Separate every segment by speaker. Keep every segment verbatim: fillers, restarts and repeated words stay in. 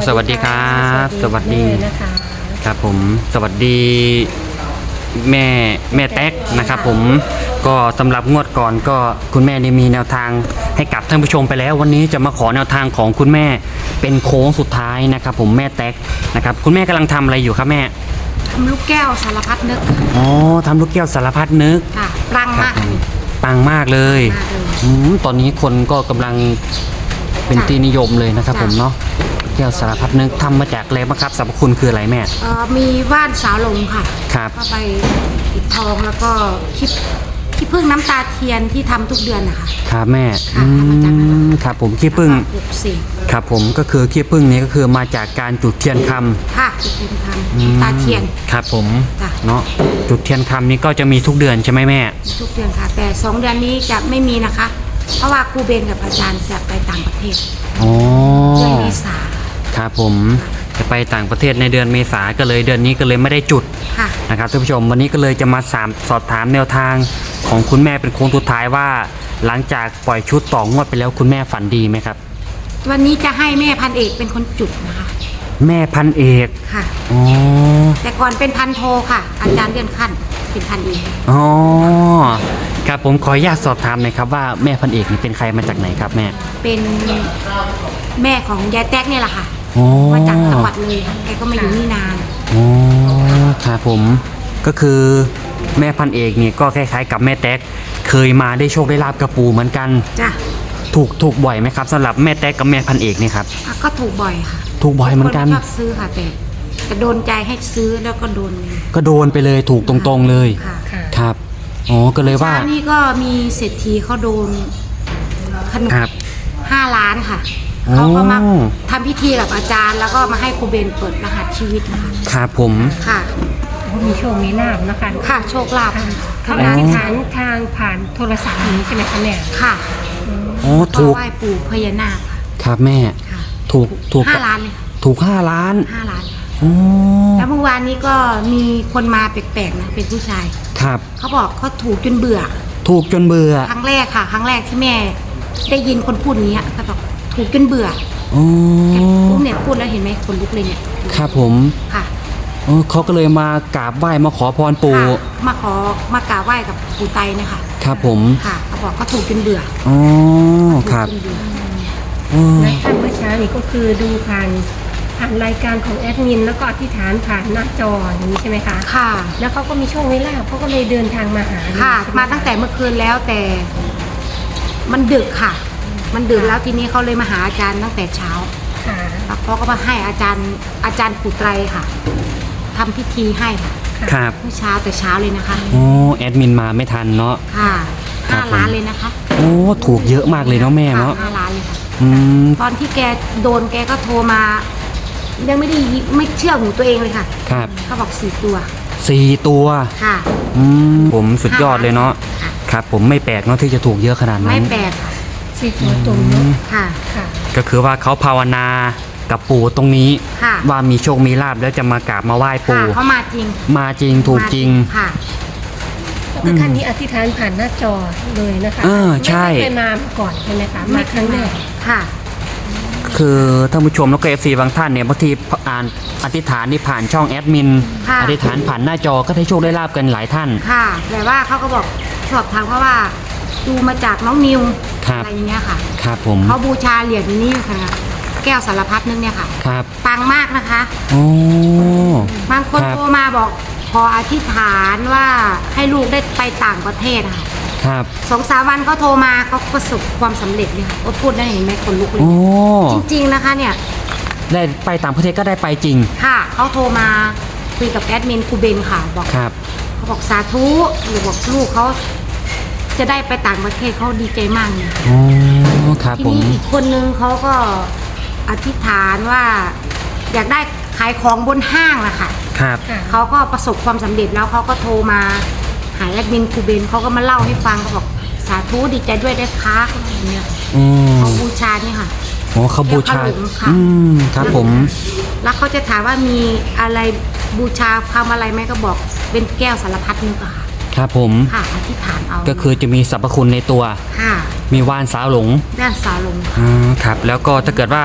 Speaker 1: สวัสดีครับสวัสดี
Speaker 2: นะคะ
Speaker 1: ครับผมสวัสดีแม่แม่แต๊กนะครับผมก็สำหรับงวดก่อนก็คุณแม่ได้มีแนวทางให้กับท่านผู้ชมไปแล้ววันนี้จะมาขอแนวทางของคุณแม่เป็นโค้งสุดท้ายนะครับผมแม่แต๊กนะครับคุณแม่กำลังทำอะไรอยู่ครับแม่
Speaker 2: ทำลูกแก้วสารพัดนึก
Speaker 1: อ๋อทำลูกแก้วสารพัดนึก
Speaker 2: ค่ะปังมาก
Speaker 1: ปังมากเลยอืมตอนนี้คนก็กำลังเป็นที่นิยมเลยนะครับผมเนาะแก้วสารพัดนึกทำมาจากอะไรบ้างครับสรรพคุณคืออะไรแม่
Speaker 2: เอ่อมีว่านสาวหลงค่ะ
Speaker 1: ครับ
Speaker 2: ก็ไปติดทองแล้วก็คลิปขี้ผึ้งน้ำตาเทียนที่ทำทุกเดือนนะคะ
Speaker 1: ครับแม่
Speaker 2: ค่ะทำมาจากนั้น
Speaker 1: ครับผมขี้ผึ้ง
Speaker 2: ปลุกเสก
Speaker 1: ครับผมก็คือขี้ผึ้งนี้ก็คือมาจากการจุดเทียนคำ
Speaker 2: ค่ะจุดเทียนคำตาเทียน
Speaker 1: ครับผมเนาะจุดเทียนคำนี้ก็จะมีทุกเดือนใช่ไหมแม่
Speaker 2: ทุกเดือนค่ะแต่สองเดือนนี้จะไม่มีนะคะเพราะว่าครูเบนกับอาจารย์จะไปต่างประเทศ
Speaker 1: อ๋อ
Speaker 2: เดือนเมษา
Speaker 1: ครับผมจะไปต่างประเทศในเดือนเมษาก็เลยเดือนนี้ก็เลยไม่ได้จุดนะครับท่านผู้ชมวันนี้ก็เลยจะมาสามสอบถามแนวทางของคุณแม่เป็นโค้งสุดท้ายว่าหลังจากปล่อยชุดต่องวดไปแล้วคุณแม่ฝันดีไหมครับ
Speaker 2: วันนี้จะให้แม่พันเอกเป็นคนจุดนะคะ
Speaker 1: แม่พันเอก
Speaker 2: ค่ะ
Speaker 1: อ๋อ
Speaker 2: แต่ก่อนเป็นพันโทค่ะอาจารย์เลื่อนขั้นเป็นพันเอก
Speaker 1: อ๋อครับผมขออนุญาตสอบถามหน่อยครับว่าแม่พันเอกนี่เป็นใครมาจากไหนครับแม่
Speaker 2: เป็นแม่ของยายแต๊กนี่แหละค่ะมาจากจังหวัดเลยแกก็มาอยู่นี่นาน
Speaker 1: อ๋อครับผมก็คือแม่พันเอกนี่ก็คล้ายๆกับแม่แต๊กเคยมาได้โชคได้ลาบกระปูเหมือนกัน
Speaker 2: จ้ะ
Speaker 1: ถูกถูกบ่อยไหมครับสำหรับแม่แต๊กกับแม่พันเอกนี่ครับ
Speaker 2: ก็ถูกบ่อยค่ะ
Speaker 1: ถูกบ่อยเหมือนกัน
Speaker 2: ชอบซื้อค่ะแต่แต่โดนใจให้ซื้อแล้วก็โดนเลย
Speaker 1: ก็โดนไปเลยถูกตรงๆเลยครับอ๋อก็เลยว่า
Speaker 2: นี่ก็มีเศรษฐีเขาโดนขนมห้าล้านค่ะเขาก็มาทำพิธีกับอาจารย์แล้วก็มาให้ครูเบนเปิดรหัสชีวิตนะคะ
Speaker 1: ครับผม
Speaker 2: ค่ะ
Speaker 3: มีโชคมีลาภนะคะ
Speaker 2: ค่ะโชคลาภ
Speaker 3: เขาอธิษฐานทางผ่านโทรศัพท์นี้ใช่ไหมคะแม่
Speaker 2: ค่ะ
Speaker 1: อ๋อถูก
Speaker 2: ไหว้ปู่พญานาค
Speaker 1: ครับแม่ถูกถูก
Speaker 2: ห้าล้านเลย
Speaker 1: ถูกห้าล้าน
Speaker 2: ห้าล้านแล้วเมื่อวานนี้ก็มีคนมาแปลกๆนะเป็นผู้ชาย
Speaker 1: ครับ
Speaker 2: เขาบอกเขาถูกจนเบื่อ
Speaker 1: ถูกจนเบื่อ
Speaker 2: ครั้งแรกค่ะครั้งแรกที่แม่ได้ยินคนพูดอย่างนี้เขาบอกถูกจนเบื่อ
Speaker 1: อ๋อ
Speaker 2: พูดเนี่ยพูดแล้วเห็นไหมคนลุกเลยเนี่ย
Speaker 1: ครับผม
Speaker 2: ค่ะ
Speaker 1: เออเขาก็เลยมากราบไหว้มาขอพรปู่
Speaker 2: มาขอมากราบไหว้กับปู่ไตนะคะ
Speaker 1: ครับผม
Speaker 2: ค่ะเขาบอกเขาถูกจนเบื่อ
Speaker 1: อ๋อครับ
Speaker 3: และท่านเมื่อเช้านี้ก็คือดูผ่านผ่านรายการของแอดมินแล้วก็อธิษฐานผ่านหน้าจออย่างนี้ใช่ไหมคะ
Speaker 2: ค่ะ
Speaker 3: แล้วเขาก็มีช่วงเวลาเขาก็เลยเดินทางมาหา
Speaker 2: ค่ะมาตั้งแต่เมื่อคืนแล้วแต่มันดึกค่ะมันดึกแล้วทีนี้เขาเลยมาหาอาจารย์ตั้งแต่เช้า
Speaker 3: ค่ะ
Speaker 2: แล้วเขาก็มาให้อาจารย์อาจารย์ปู่ไตรค่ะทำพิธีให้ค่ะ
Speaker 1: ครับ
Speaker 2: เมื่อเช้าแต่เช้าเลยนะคะ
Speaker 1: โอ้แอดมินมาไม่ทันเนาะ
Speaker 2: ค่ะห้าล้านเลยนะคะ
Speaker 1: โอ้ถูกเยอะมากเลยเนาะแม่เนาะ
Speaker 2: ห้าล้านเลยค่ะตอนที่แกโดนแกก็โทรมายังไม่ได้ไม่เชื่อหูตัวเองเลยค่ะ
Speaker 1: ครับ
Speaker 2: เขาบอกสี่ตัว
Speaker 1: สี่ตัว
Speaker 2: ค่ะ
Speaker 1: อืมผมสุดยอดเลยเนาะครับผมไม่แปลกเนาะที่จะถูกเยอะขนาดนั้น
Speaker 2: ไม่แปลกค่ะ
Speaker 3: สี่ตัวตรงนี้
Speaker 2: ค่ะค่ะ
Speaker 1: ก็คือว่าเขาภาวนากับปู่ตรงนี้ว่ามีโชคมีลาภแล้วจะมากราบมาไหว้ปู่
Speaker 2: เขามาจริง
Speaker 1: มาจริงถูกจริง
Speaker 2: ค่ะ
Speaker 3: ก็คือท่านนี้อธิษฐานผ่านหน้าจอเลยนะคะ
Speaker 1: เออใช่
Speaker 3: ไม่เคยมาก่อนใช่ไหมคะมาครั้งแรก
Speaker 2: ค่ะ
Speaker 1: คือท่านผู้ชมแล้วก็เอฟซีบางท่านเนี่ยบางทีอ่านอธิษฐานนี่ผ่านช่องแอดมินอธิษฐานผ่านหน้าจอก็ได้โชคได้ลาบกันหลายท่าน
Speaker 2: ค่ะแต่ว่าเขาก็บอกสอบถามเขาว่าดูมาจากน้องนิวอะไรอย่างเงี้ยค่ะ
Speaker 1: ครับผม
Speaker 2: เขาบูชาเหรียญนี้ค่ะแก้วสารพัดนึงเนี่ยค่ะ
Speaker 1: ครับ
Speaker 2: ปังมากนะคะ
Speaker 1: โอ้
Speaker 2: บางคนโทรมาบอกขออธิษฐานว่าให้ลูกได้ไปต่างประเทศค่ะ
Speaker 1: ครับ
Speaker 2: สองสามวันเขาโทรมาเขาประสบความสำเร็จเลยค่ะพูดได้เห็นไหมคนลุกเลยจริงๆนะคะเนี่ย
Speaker 1: ได้ไปต่างประเทศก็ได้ไปจริง
Speaker 2: ค่ะเขาโทรมาคุยกับแอดมินครูเบนค่ะบอก
Speaker 1: ครับ
Speaker 2: เขาบอกสาธุหรือบอกลูกเขาจะได้ไปต่างประเทศเขาดีใจมากเลย
Speaker 1: อ๋อครับผม
Speaker 2: ทีนี้อีกคนนึงเขาก็อธิษฐานว่าอยากได้ขายของบนห้างนะคะ
Speaker 1: ครับ
Speaker 2: เขาก็ประสบความสำเร็จแล้วเขาก็โทรมาหาแอดมินครูเบนเขาก็มาเล่าให้ฟังเขาบอกสาธุดีใจด้วยได้ค้าอย่างเงี้ยเขาบูชาเนี่ยค่ะ
Speaker 1: โอ้เขาบูชาอืมครับผม
Speaker 2: แล้วเขาจะถามว่ามีอะไรบูชาทำอะไรไหมก็บอกเป็นแก้วสารพัดนึกอะค่ะ
Speaker 1: ครับผม
Speaker 2: ค่ะอธิษฐานเอา
Speaker 1: ก็คือจะมีสรรพคุณในตัว
Speaker 2: ค่ะ
Speaker 1: มีว่านสาวหลง
Speaker 2: ว่านสาวหลง
Speaker 1: อ่าครับแล้วก็ถ้าเกิดว่า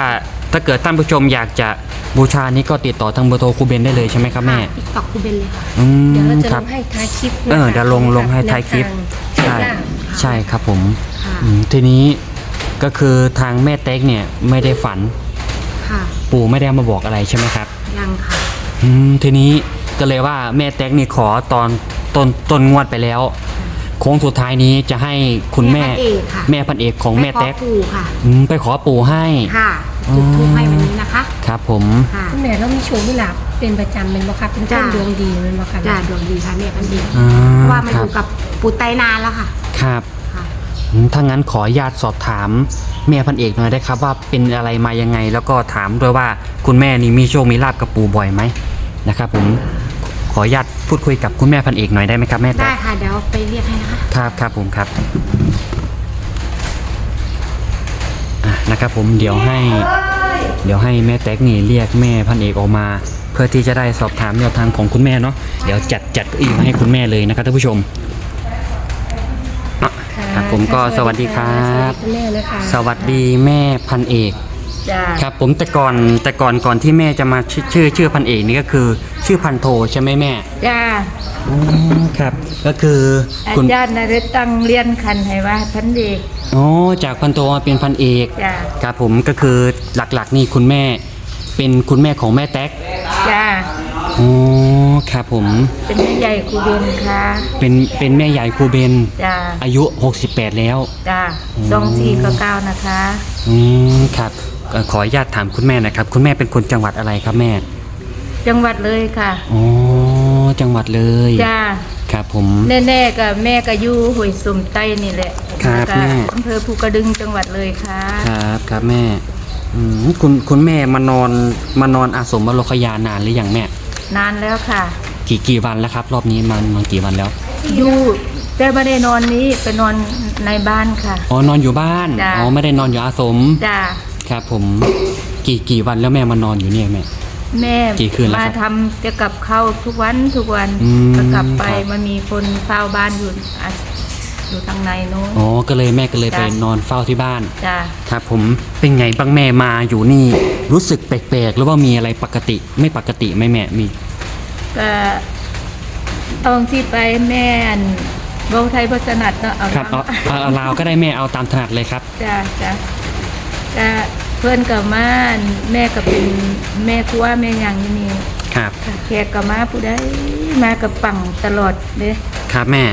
Speaker 1: ถ้าเกิดท่านผู้ชมอยากจะบูชานี้ก็ติดต่อทางเบอร์โทรครูเบนได้เลยใช่ไหมครับแม่
Speaker 2: ติ๊กต็อกครูเบนเลยค่ะ
Speaker 1: อืม
Speaker 3: เดี๋ยวเราจะ
Speaker 1: ค
Speaker 3: ล
Speaker 1: รับ
Speaker 3: งให้ท้ายคลิป
Speaker 1: เออเดี๋ยวลงลงให้ท้ายคลิป
Speaker 3: ใช่
Speaker 1: ใช่ใช่ครับผม
Speaker 2: ค่ะ
Speaker 1: อืมทีนี้ก็คือทางแม่เต็กเนี่ยไม่ได้ฝัน
Speaker 2: ค่ะ
Speaker 1: ปู่ไม่ได้มาบอกอะไรใช่ไหมครับ
Speaker 2: ยังค่ะ
Speaker 1: อืมทีนี้ก็เลยว่าแม่เต็กนี่ขอตอนต้นต้นงวดไปแล้ว โค้งสุดท้ายนี้จะให้คุณแม่
Speaker 2: แม่พันเอกค่ะ
Speaker 1: แม่พันเอกของแม่เต็ก
Speaker 2: ไปขอปู่ค่ะ
Speaker 1: อืมไปขอปู่ให้
Speaker 2: ค่ะจุดทูปให้วันนี้นะคะ
Speaker 1: ครับผม
Speaker 2: ค่ะ
Speaker 3: คุณแม่เรามีโชว์มีหลับเป็นประจำเป็นบ่ครับเป็นต้น
Speaker 2: จ้ะ
Speaker 3: ดวงดีเป็นบ่ครับ
Speaker 2: จ้าดวงดีค่ะแม่พันเอก
Speaker 1: อ่า
Speaker 2: เพราะว่ามา
Speaker 1: ค
Speaker 2: อ
Speaker 1: รับ
Speaker 2: ยู่กับปู่ไตนานแล้วค่ะ
Speaker 1: ครับ
Speaker 2: ค่ะ
Speaker 1: อืมถ้างั้นขออนุญาตสอบถามแม่พันเอกหน่อยได้ครับว่าเป็นอะไรมายังไง แล้วก็ถามด้วยว่าคุณแม่นี่มีโชคมีลาบกับปู่บ่อยไหมนะครับผมขออนุญาตพูดคุยกับคุณแม่พันเอกหน่อยได้ไหมครับแม่
Speaker 2: ได้
Speaker 1: แต๊ก
Speaker 2: ค่ะเดี๋ยวไปเรียกให้นะคะ
Speaker 1: ครับครับผมครับอ่ะนะครับผมเดี๋ยวให้ เดี๋ยวให้แม่แต๊กนี่เรียกแม่พันเอกออกมา เพื่อที่จะได้สอบถามแนวทางของคุณแม่เนาะเดี๋ยวจัดจัดเก้าอี้มาให้คุณแม่เลยนะครับท่านผู้ชมอ่ะ
Speaker 3: ค่ะ
Speaker 1: ครับผมก็สวัสดีครับ
Speaker 3: สวัสดีคุณแม่นะคะ
Speaker 1: สวัสดีแม่พันเอก
Speaker 3: จ้า
Speaker 1: ครับผมแต่ก่อนแต่ก่อนก่อนที่แม่จะมาชื่อชื่อชื่อพันเอกนี่ก็คือชื่อพันโทใช่ไหมแม่
Speaker 4: จ้า
Speaker 1: อ๋อครับก็คือ
Speaker 4: อา
Speaker 1: คุณ
Speaker 4: จารย์นฤตั้งเรียนคันให้ว่าพันเด็ก
Speaker 1: อ๋อจากพันโทมาเป็นพันเอก
Speaker 4: จ้า
Speaker 1: ครับผมก็คือหลักๆนี่คุณแม่เป็นคุณแม่ของแม่แต๊ก
Speaker 4: จ้า
Speaker 1: อ๋อครับผม
Speaker 4: เป็นแม่ใหญ่ครูเบนค่ะ
Speaker 1: เป็นเป็นแม่ใหญ่ครูเบน
Speaker 4: จ้า
Speaker 1: อายุหกสิบแปดแล้ว
Speaker 4: จ้า
Speaker 1: อืม
Speaker 4: สองสี่ก็เก้านะคะ
Speaker 1: อืมครับเอ่อขออนุญาตถามคุณแม่หนะครับคุณแม่เป็นคนจังหวัดอะไรครับแม่
Speaker 4: จังหวัดเลยค่ะ
Speaker 1: อ๋อจังหวัดเลย
Speaker 4: จ้า
Speaker 1: ครับผม
Speaker 4: แน่ๆกับแม่ก็อยู่ห้วยสุ่มใต้นี่แหละ
Speaker 1: ครับ
Speaker 4: แล้วก็
Speaker 1: แม่
Speaker 4: อำเภอภูกระดึงจังหวัดเลยค่ะ
Speaker 1: ครับครับแม่อืมคุณคุณแม่มานอนมานอนอาสมบรคยานานหรือยังแม่
Speaker 4: นานแล้วค่ะ
Speaker 1: กี่กี่วันแล้วครับ รอบนี้มานอนกี่วันแล้ว
Speaker 4: อยู่แต่ไม่ได้นอนนี้ไปนอนในบ้านค่ะ
Speaker 1: อ๋อนอนอยู่บ้าน
Speaker 4: จ้ะ
Speaker 1: อ๋อไม่ได้นอนอยู่อาสม
Speaker 4: จ้า
Speaker 1: ครับผมกี่กี่วันแล้วแม่มานอนอยู่เนี่ยแม่
Speaker 4: แม่
Speaker 1: กี่คืนแล้วค
Speaker 4: มา
Speaker 1: รับ
Speaker 4: ทำจะกลับเข้าทุกวันทุกวัน
Speaker 1: อืม
Speaker 4: ก็กลับไป
Speaker 1: ครับ
Speaker 4: มันมีคนเฝ้าบ้านอยู่อ่ะอยู่ทางในโน้น
Speaker 1: อ๋อก็เลยแม่ก็เลย
Speaker 4: จ้ะ
Speaker 1: ไปนอนเฝ้าที่บ้าน
Speaker 4: จ้า
Speaker 1: ครับผมเป็นไงบ้างแม่มาอยู่นี่ รู้สึกแปลกๆหรือว่ามีอะไรปกติไม่ปกติไหมแม่มี
Speaker 4: ก็ตอนที่ไปแม่อันเว้าไทยพัฒนัดเนาะเอา
Speaker 1: ครับเอาเอาเอาลาวก็ได้แม่เอาตามถนัดเลยครับ
Speaker 4: จ้าจ้าก็เพื่อนกับมาอันแม่ก็เป็นแม่ครัวแม่หยังอยู่นี่
Speaker 1: ครับ
Speaker 4: แขกกับมาผู้ใดมากับปังตลอดเด้
Speaker 1: ครับแม่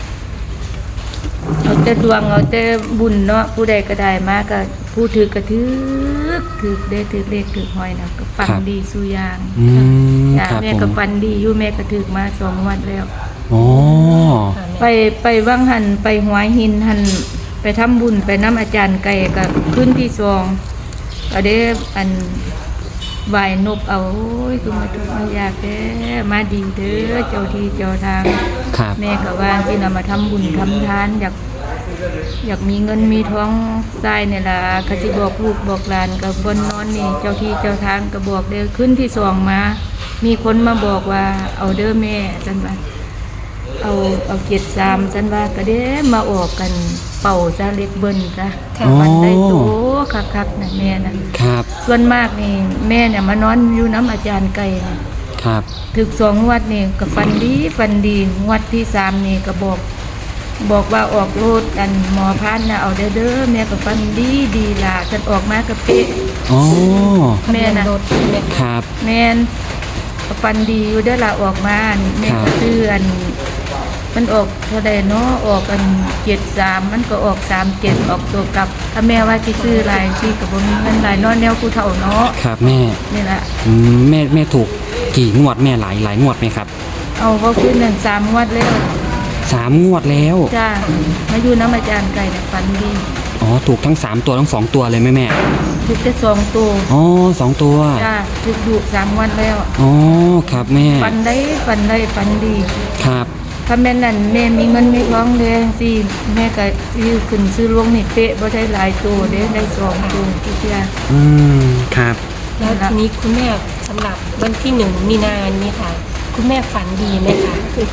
Speaker 4: เอาแต่ดวงเอาแต่บุญเนาะผู้ใดก็ได้มาก็ผู้ถือก็ถือถือได้ถือเลขถือหอยนะก็ปังดีสุอยาง
Speaker 1: อืม
Speaker 4: จ้า
Speaker 1: ครับ
Speaker 4: แม่
Speaker 1: ผม
Speaker 4: ก็ฟันดีอยู่แม่ก็ถือมาสองงวันแล้ว
Speaker 1: อ๋อ
Speaker 4: ไปไปว่างหันไปหัวหินหันไปทำบุญไปน้ำอาจารย์ไก่กับขึ้นที่ซองก็ได้อันไหวายนบเอาโอ้ยคือมาทุกข์มายากแท้มาดีเด้อเจ้าที่เจ้าทาง
Speaker 1: ครับ
Speaker 4: แม่ก็ว่าที่นำมาทำบุญทำทานอยากอยากมีเงินมีท้องทรายเนี่ยล่ะเขาจะบอกลูกบอกหลานกับบนนอนนี่เจ้าที่เจ้าทางก็บอกเด้อขึ้นที่ซองมา มีคนมาบอกว่าเอาเด้อแม่จันว่า เอาเอาเกียรติสามฉันว่าก็เด้มาออกกันเป่าซะเล็กเบิ้นจ้ะ
Speaker 1: อ๋อ
Speaker 4: มันได้โตคักๆนะแม่นะครับ ส่วนมากนี่แม่เนี่ยมานอนอยู่น้ำอาจารย์ไก่นะครับ ถึกสองงวัดนี่ก็ฟันดีฟันดีงวัดที่สามนี่ก็บอก บอกว่าออกโลดอันหมอพานนะเอาเด้อเด้อแม่ก็ฟันดีดีล่ะฉันออกมาก็เป๊ะ
Speaker 1: อ๋อ
Speaker 4: แม่นะ
Speaker 3: รถแม่
Speaker 1: ครับ
Speaker 4: แม่นก็ฟันดีอยู่เด้อล่ะออกมาแม่
Speaker 1: ครั
Speaker 4: ก็
Speaker 1: บ
Speaker 4: ซื้ออัน มันออกเท่าใดเนาะออกกันเจ็ดสามมันก็ออกสามเจ็ดออกตัวกลับ ถ้าแม่ว่าที่ซื้อหลายที่กับบ่มีเงินหลายเนอนแนวผู้เฒ่าเนาะ
Speaker 1: ครับแม่
Speaker 4: นี่แหละ
Speaker 1: อืมแม่แม่ถูกกี่งวดแม่หลายหลายงวดไหมครับ
Speaker 4: เอาว่าขึ้นหนึ่งสามงวัดแล้ว
Speaker 1: สามงวดแล้ว
Speaker 4: จ้ามาอยู่น้ำอาจารย์ไก่เนี่ยฟันดี
Speaker 1: อ๋อถูกทั้งสามตัวทั้งสองตัวเลยไหมแม่
Speaker 4: ถูกแต่สองตัว
Speaker 1: อ๋อสองตัว
Speaker 4: จ้าถูกดุสามงวันแล้ว
Speaker 1: อ๋อครับแม่
Speaker 4: ฟันได้ฟันได้ฟันดี
Speaker 1: ครับ
Speaker 4: ถ้าแม่นั่นแม่มีเงินมีท้องเลยสิแม่ก็ซื้อขึ้นซื้อลวงนี่เป๊ะบ่ได้หลายตัวเด้ได้สองตัวที่เดียว
Speaker 1: อืมครับ
Speaker 3: แล้วทีนี้คุณแม่สำหรับวันที่หนึ่งมีนานี้ค่ะ คุณแม่ฝันดีไหมคะ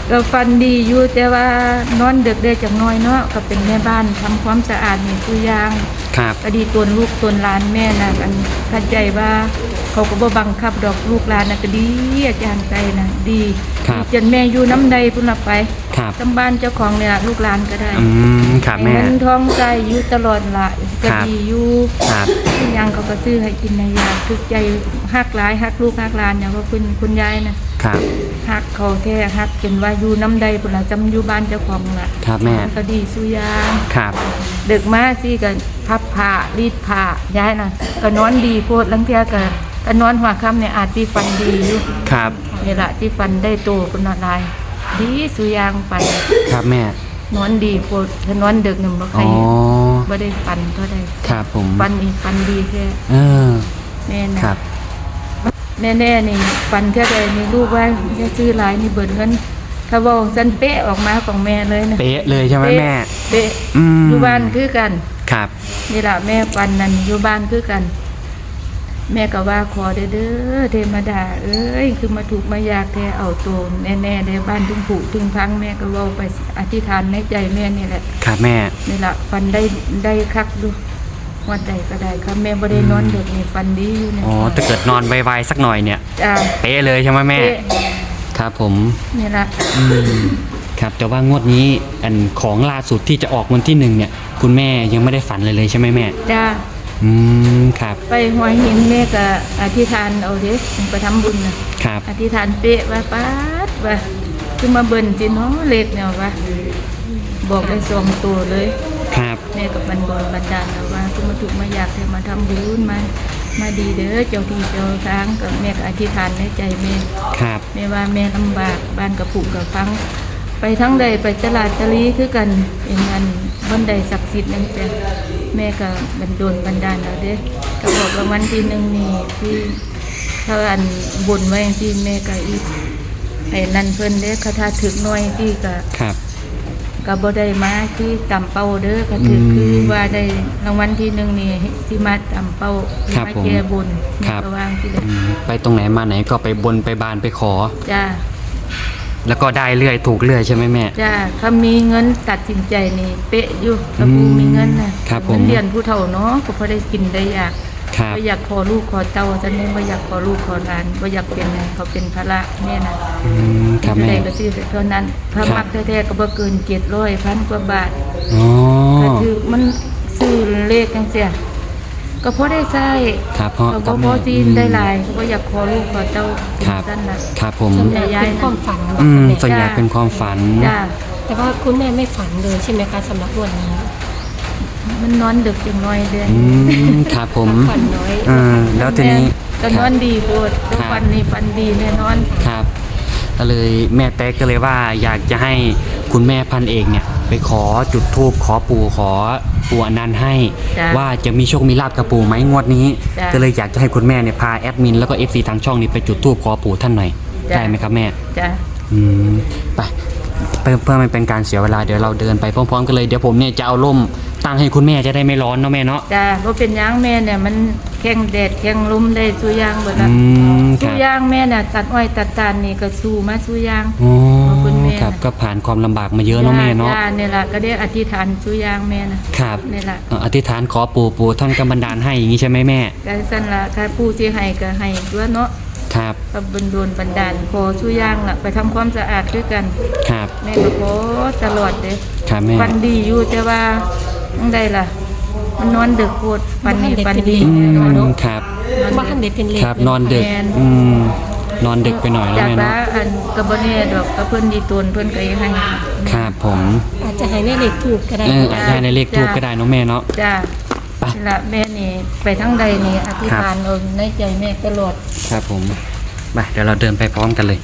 Speaker 4: ก็ฟันดีอยู่แต่ว่านอนดึกได้จักหน้อยเนาะก็เป็นแม่บ้านทำความสะอาดนี่ตัวอย่าง
Speaker 1: ครับ
Speaker 4: ก็ดีตนลูกตนหลานแม่น่ะกันเข้าใจว่าเขาก็บ่บังคับดอกลูกหลานน่ะก็ดีอาจารย์ใจน่ะดี
Speaker 1: ครับ
Speaker 4: จนแม่อยู่น้ำใดพุ่นละไป
Speaker 1: ครับ
Speaker 4: จำบ้านเจ้าของเนี่ยล่ะลูกหลานก็ได้
Speaker 1: อืมครับแม่
Speaker 4: เงินทองใจอยู่ตลอดละก็
Speaker 1: ครับ
Speaker 4: ดีอยู่
Speaker 1: ครับ
Speaker 4: ทุกอย่างเขาก็ซื้อให้กินในยากทุกใจฮักหลายฮักลูกฮักหลานอย่างว่าคุณคุณยายนะครับ ฮักเขาแท้ฮักจนว่าอยู่น้ำใดพุ่นละจำอยู่บ้านเจ้าของล่ะ
Speaker 1: ครับแม่
Speaker 4: ก็ดีสุอยาง
Speaker 1: ครับ
Speaker 4: ดึกมาสิก็พับผ้ารีดผ้ายายน่ะก็นอนดีโพดลังเทียก็ก็นอนหัวค่ำเนี่ยอาจสิฟันดีอยู่
Speaker 1: ครับ
Speaker 4: นี่ล่ะที่ฟันได้โตคุณละลายดีสุอยางฟัน
Speaker 1: ครับแม่
Speaker 4: นอนดีโพดถ้านอนดึกเนี่ยบ่ใคร
Speaker 1: อ๋อ
Speaker 4: บ่ได้ฟันเท่าใด
Speaker 1: ครับผม
Speaker 4: ฟันอีกฟันดีแค่
Speaker 1: เออ
Speaker 4: แม่นะครับ แน่ๆนี่ฟันเท่าใดนี่ลูกว่าจะซื้อหลายนี่เบิดเงินถ้าเว้าซันเป๊ะออกมาของแม่เลยนะ
Speaker 1: เป๊ะเลยใช่ไหมแม่
Speaker 4: เป๊ะ
Speaker 1: อืม
Speaker 4: อยู่บ้านคือกัน
Speaker 1: ครับ
Speaker 4: นี่ล่ะแม่ฟันนั่นอยู่บ้านคือกัน แม่ก็ว่าขอเด้อเด้อเทวดาเอ้ยคือมาถูกมายากแท้เอาโตวแน่ๆได้บ้านถึงผุถึงพังแม่ก็เว้าไปอธิษฐานในใจแม่นี่แหละ
Speaker 1: ครับแม่
Speaker 4: นี่ล่ะฟันได้ได้คักดูวันใดก็ได้ครับแม่บ่ได้นอนเด็กนี่ฟันดีอยู่เนี่ย
Speaker 1: อ๋อถ้าเกิดนอนไวๆสักหน่อยเนี่ย
Speaker 4: จ้า
Speaker 1: เป๊ะเลยใช่ไหมแม่
Speaker 4: เป๊ะ
Speaker 1: ครับผม
Speaker 4: นี่ล่ะ
Speaker 1: อืมครับแต่ว่างวดนี้อันของล่าสุดที่จะออกวันที่หนึ่งเนี่ย คุณแม่ยังไม่ได้ฝันเลยเลยใช่ไหมแม่
Speaker 4: จ้า
Speaker 1: อืมครับ
Speaker 4: ไปหัวหินแม่ก็อธิษฐานเอาเด้ไปทำบุญน่ะ
Speaker 1: ครับ
Speaker 4: อธิษฐานเป๊ะว่าป๊าดว่าคือมาเบิ่นสิเนาะเลขเนี่ยว่าบอกได้สองตัวเลย
Speaker 1: ครับ
Speaker 4: แม่กับบันบนบันดาลเอาว่าคือมาถูกมาอยากให้มาทำบุญมามาดีเด้อเจ้าที่เจ้าทางกับแม่ก็อธิษฐานในใจแม่
Speaker 1: ครับ
Speaker 4: แม่ว่าแม่ลำบากบ้านกับผูกกับฟัง ไปทั้งใดไปตลาดตะลีคือกันเป็นงานบ้านใดศักดิ์สิทธิ์นั่นแหละแม่ก็บันโดนบันดาลเอาเด้อก็บอกรางวัลที่หนึ่งนี่ที่ถ้าอันบนไว้ที่แม่ก็อีกให้นั่นเพิ่นเด้อคาถาถึกหน้อยที่ก็
Speaker 1: ครับ
Speaker 4: ก็บ่ได้มาที่ตำเป้าเด้อก็ถือ
Speaker 1: อืม
Speaker 4: คือว่าได้รางวัลที่หนึ่งนี่ที่มาตำเป้าที่
Speaker 1: ครับ
Speaker 4: มา
Speaker 1: ผม
Speaker 4: แก้บน
Speaker 1: ค
Speaker 4: แม่
Speaker 1: รับ
Speaker 4: ก็วางที่เลย
Speaker 1: อืมไปตรงไหนมาไหนก็ไปบนไปบานไปขอ
Speaker 4: จ้า
Speaker 1: แล้วก็ได้เรื่อยถูกเรื่อยใช่ไหมแม่
Speaker 4: จ้าถ้ามีเงินตัดสินใจนี่เป๊ะอยู่ถ้าผู้มีเงินนะครับ
Speaker 1: ผม
Speaker 4: เงินเดือนผู้เฒ่าเนาะก็พอได้กินได้อยาก
Speaker 1: ครับ
Speaker 4: บ่อยากขอลูกขอเต้าจังได๋บ่อยากขอลูกขอหลานบ่อยากเป็นให้เขาเป็นภาระแม่น่ะ
Speaker 1: อืมครับ
Speaker 4: เท่า
Speaker 1: แม่
Speaker 4: ใดก็ซื้อเท่านั้นถ้า
Speaker 1: ครับ
Speaker 4: มักแท้ๆก็บ่เกินเจ็ดร้อยพันกว่าบาท
Speaker 1: อ๋อ
Speaker 4: ก็คือมันซื้อเลขจังซี่ก็พอได้ใช้
Speaker 1: ครับพ่อ
Speaker 4: ก็
Speaker 1: ครั
Speaker 4: บ่
Speaker 1: บ
Speaker 4: พ
Speaker 1: แม่
Speaker 4: อจีนได้หลายก็อยากขอลูกขอเต้าเป็น
Speaker 1: ครับ
Speaker 4: สั้นน่ะ
Speaker 1: ครับผม
Speaker 3: ส่วนใหญ่เป็นความฝันเหรอ
Speaker 1: อืม
Speaker 3: คุณ
Speaker 1: ส่วน
Speaker 3: แม่
Speaker 1: ใหญ่เป็นความฝัน
Speaker 4: จ้า
Speaker 3: แต่ว่าคุณแม่ไม่ฝันเลยใช่ไหมคะสำหรับวันนี้
Speaker 4: มันนอนดึกจังน้อยเด้อ
Speaker 1: อืมครับผม
Speaker 3: ฝันน้อย
Speaker 1: อ่าแล้วทีนี้
Speaker 4: ก็นอนดีโพดทุกวันนี้ฟันดีแน่นอน
Speaker 1: ครับก็เลยแม่แต๊กก็เลยว่าอยากจะให้คุณแม่พันเอกเนี่ย ไปขอจุดธูปขอปู่ขอปู่อนันต์ให้
Speaker 4: จ้ะ
Speaker 1: ว่าจะมีโชคมีลาบกับปู่ไหมงวดนี้
Speaker 4: จ้ะ
Speaker 1: ก็เลยอยากจะให้คุณแม่เนี่ยพาแอดมินแล้วก็เอฟซีทางช่องนี้ไปจุดธูปขอปู่ท่านหน่อย
Speaker 4: จ้ะ
Speaker 1: ได้ไหมครับแม่
Speaker 4: จ้า
Speaker 1: อืมไปเพื่อเพื่อไม่เป็นการเสียเวลาเดี๋ยวเราเดินไปพร้อมๆกันเลยเดี๋ยวผมเนี่ยจะเอาร่มตั้งให้คุณแม่จะได้ไม่ร้อนเนาะแม่เนาะ
Speaker 4: จ้าบ่เป็นหยังแม่เนี่ยมันแข็งแดดแข็งลมได้สู้ยางเบิดละ
Speaker 1: อืมค
Speaker 4: สู้
Speaker 1: รับ
Speaker 4: ยางแม่น่ะตัดอ้อยตัดตาลนี่ก็สู้มาสู้ยาง
Speaker 1: อ๋อ
Speaker 4: ขอบคุณแม่
Speaker 1: ครับก็ผ่านความลำบากมาเยอะเนาะแม่เนาะ
Speaker 4: จ้าเนี่ยล่ะก็ได้อธิษฐานสู้ยางแม่น่ะ
Speaker 1: ครับ
Speaker 4: นี่ล่ะ
Speaker 1: เอ่ออธิษฐานขอปู่ปู่ท่านก็บันดาลให้อย่างนี้ใช่ไหมแม่
Speaker 4: ก็สั่นล่ะถ้าผู้ที่ให้ก็ให้ตัวเนาะ
Speaker 1: ครับ
Speaker 4: ก็บันดลบันดาลขอสู้ยางล่ะไปทำความสะอาดด้วยกัน
Speaker 1: ครับ
Speaker 4: แม่ก็ขอตลอดเด้
Speaker 1: ครับแม่
Speaker 4: ฟันดีอยู่แต่ว่าจังไดล่ะ มันนอนดึกโพดฟันนี่ฟันดี
Speaker 1: อื
Speaker 4: นอน
Speaker 1: มครับ
Speaker 3: บ้านเด็กเป็นเล็ก
Speaker 1: ครับนอนดึก
Speaker 4: แม่น
Speaker 1: อืมนอนดึกไปหน่อยแล้ว
Speaker 4: จาก
Speaker 1: แม่
Speaker 4: ละ
Speaker 1: เนาะ
Speaker 4: อันกระบเน่ดอกกระเพิ่นดีตนเพิ่นก็ยังให้
Speaker 1: ครับผม
Speaker 3: อาจจะให้แม่เด็กถูกก็ได้
Speaker 1: เอออาจจะให้ในเลขทูบก็ได้เนาะแม่เนาะ
Speaker 4: จ้า
Speaker 1: ไป
Speaker 4: นี่ละแม่นี่ไปทั้งใดนี่อธิษฐานเอาในใจแม่ตลอด
Speaker 1: ครับผมไปเดี๋ยวเราเดินไปพร้อมกันเลย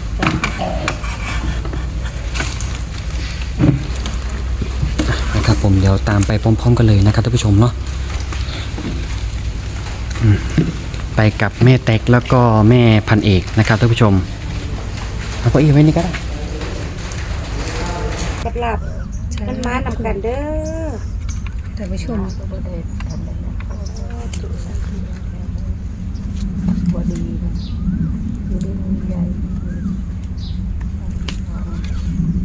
Speaker 1: นะครับผมเดี๋ยวตามไปพร้อม ๆ กันเลยนะครับท่านผู้ชมเนาะอืมไปกับแม่แตกแล้วก็แม่พันเอกนะครับท่านผู้ชมเอาเก้าอี้ไว้นี่ก็ได้
Speaker 2: กับหลับมันมานำกันเด้อ
Speaker 3: ท่านผู้ชม
Speaker 4: บ่ได้ทำอะไรบ่ดีนะอยู่ด้วยใหญ่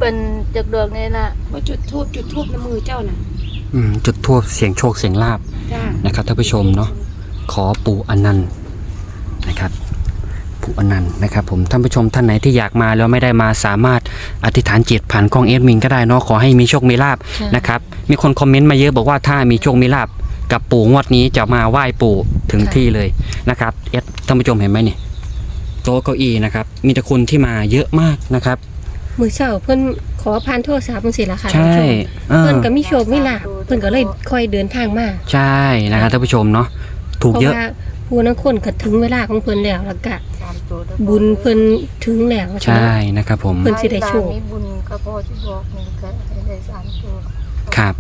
Speaker 4: เป็นจากดอกนี่ล่ะ
Speaker 3: ว่าจุดทูบจุดทูบในมือเจ้าน่ะ
Speaker 1: อืมจุดทั่วเสียงโชคเสียงลาบ
Speaker 3: จ้า
Speaker 1: นะครับท่านผู้ชมเนาะขอปู่อนันต์นะครับปู่อนันต์นะครับผมท่านผู้ชมท่านไหนที่อยากมาแล้วไม่ได้มาสามารถอธิษฐานจิตผ่านกล้องเอดมินก็ได้เนาะขอให้มีโชคมีลาบนะครับมีคนคอมเมนต์มาเยอะบอกว่าถ้ามีโชคมีลาบกับปู่งวดนี้จะมาไหว้ปู่ถึงที่เลยนะครับเอดท่านผู้ชมเห็นไหมนี่โต๊ะเก้าอี้นะครับมีแต่คนที่มาเยอะมากนะครับ
Speaker 3: มือเช้าเพิ่นขอผ่านโทรศัพท์จังซี่ล่ะค่ะ
Speaker 1: ใช่
Speaker 3: ท่านผู้ชม
Speaker 1: เออ
Speaker 3: เพิ่นก็มีโชคมีลาภเพิ่นก็เลยค่อยเดินทางมา
Speaker 1: ใช่นะครับท่านผู้ชมเนาะถูก
Speaker 3: เพราะ
Speaker 1: เยอะ
Speaker 3: ว่าผู้นักคนก็ถึงเวลาของเพิ่นแล้วแล้วก็บุญเพิ่นถึงแล้ว
Speaker 1: ใช่นะครับผม
Speaker 3: เพิ่นสิได้โชค
Speaker 4: มีบุญก็พอที่บอกนี่ก็ให้ได้สามตัว
Speaker 1: ครับ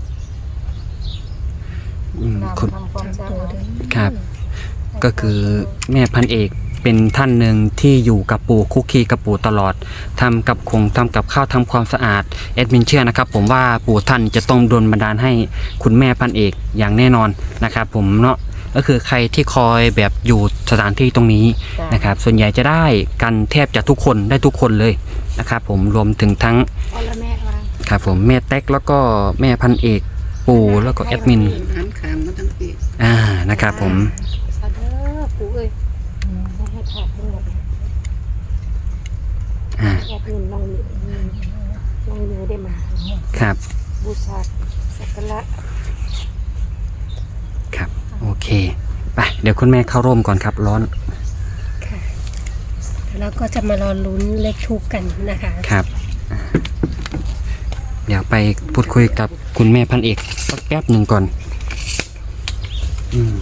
Speaker 1: อืม
Speaker 4: ตาม
Speaker 1: คุณ
Speaker 4: ทำความสะอาด
Speaker 1: ครับ ก็คือแม่พันเอกเป็นท่านหนึ่งที่อยู่กับปู่คุกคีกับปู่ตลอดทำกับคงทำกับข้าวทำความสะอาดแอดมินเชื่อนะครับ ผมว่าปู่ท่านจะต้องดลบันดาลให้คุณแม่พันเอกอย่างแน่นอนนะครับ ผมเนาะก็คือใครที่คอยแบบอยู่สถานที่ตรงนี้นะครับ ส่วนใหญ่จะได้กันแทบจะทุกคนได้ทุกคนเลยนะครับ ผมรวมถึงทั้ง
Speaker 2: เอาละแม่วาง
Speaker 1: ครับผมแม่แต๊กแล้วก็แม่พันเอกปู่แล้วก็แอดมิน
Speaker 5: หันขางมาทั้งปี
Speaker 1: อ่านะครับผม
Speaker 2: สาธุปู่เอ้ยให้ให้ถอดทั้งหมด
Speaker 1: อ่า
Speaker 2: แอดมินลองมือลองมือได้มา
Speaker 1: ครับ
Speaker 2: บูชาสักการะ
Speaker 1: ครับโอเคไปเดี๋ยวคุณแม่เข้าร่มก่อนครับร้อน
Speaker 3: ค่ะแล้วก็จะมารอลุ้นเลขทูปกันนะคะ
Speaker 1: ครับอ่าเดี๋ยวไปพูดคุยกับคุณแม่พันเอกสักแป๊บหนึ่งก่อนอืม